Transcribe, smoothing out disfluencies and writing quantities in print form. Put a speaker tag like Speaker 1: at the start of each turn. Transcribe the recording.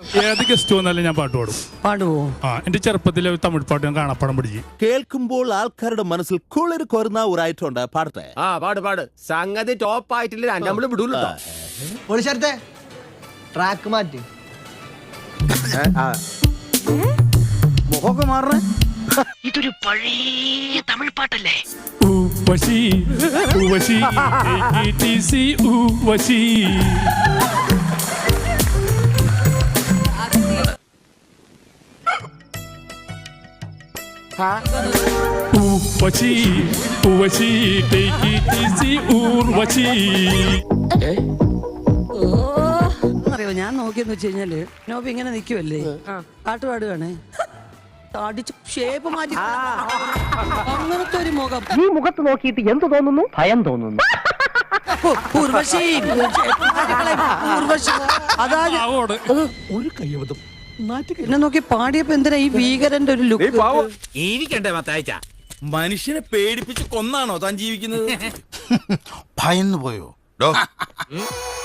Speaker 1: ഏത് ഗസ്റ്റ് വന്നാലും ഞാൻ പാട്ട് പാടും.
Speaker 2: പാടുവോ?
Speaker 1: എന്റെ ചെറുപ്പത്തിലെ തമിഴ് പാട്ട് ഞാൻ കാണാപ്പാടം പിടിച്ചു.
Speaker 3: കേൾക്കുമ്പോൾ ആൾക്കാരുടെ മനസ്സിൽ കുളിർ കൊരുന്ന ഒരായിട്ടുണ്ട്. പാടട്ടെ?
Speaker 4: പാട്. സംഗതി ടോപ്പ് ആയിട്ടില്ല, നമ്മള് വിടൂല്ലോ.
Speaker 5: പൊളിച്ചേർത്തെ ട്രാക്ക് മാറ്റി മുഖമൊക്കെ മാറണേ.
Speaker 2: ഇതൊരു പഴയ തമിഴ് പാട്ടല്ലേ?
Speaker 1: ഊവശി ഊവശി AKTC ഊവശി. ഊവശി ഊവശി AKTC ഊർവശി.
Speaker 2: അറിയോ, ഞാൻ നോക്കിയെന്ന് വെച്ച് കഴിഞ്ഞാല് നോബി ഇങ്ങനെ നിക്കുവല്ലേ, പാട്ട് പാടുകയാണേ, അടിച്ച് ഷേപ്പ് മാറ്റി അങ്ങനത്തെ ഒരു മുഖം.
Speaker 6: ഈ മുഖത്ത് നോക്കിയിട്ട് എന്ത് തോന്നുന്നു? ഭയം തോന്നുന്നു.
Speaker 2: ഊർവശി ഊർവശി അതായത്
Speaker 5: ഒരു കയ്യബദ്ധം.
Speaker 2: എന്നെ നോക്കി പാടിയപ്പോ എന്തിനാ ഈ ഭീകരന്റെ ഒരു ലുക്ക്?
Speaker 4: ജീവിക്കണ്ടേ മത്തായിച്ച?
Speaker 3: മനുഷ്യനെ പേടിപ്പിച്ച് കൊന്നാണോ താൻ ജീവിക്കുന്നത്?
Speaker 7: ഭയന്നു പോയോ?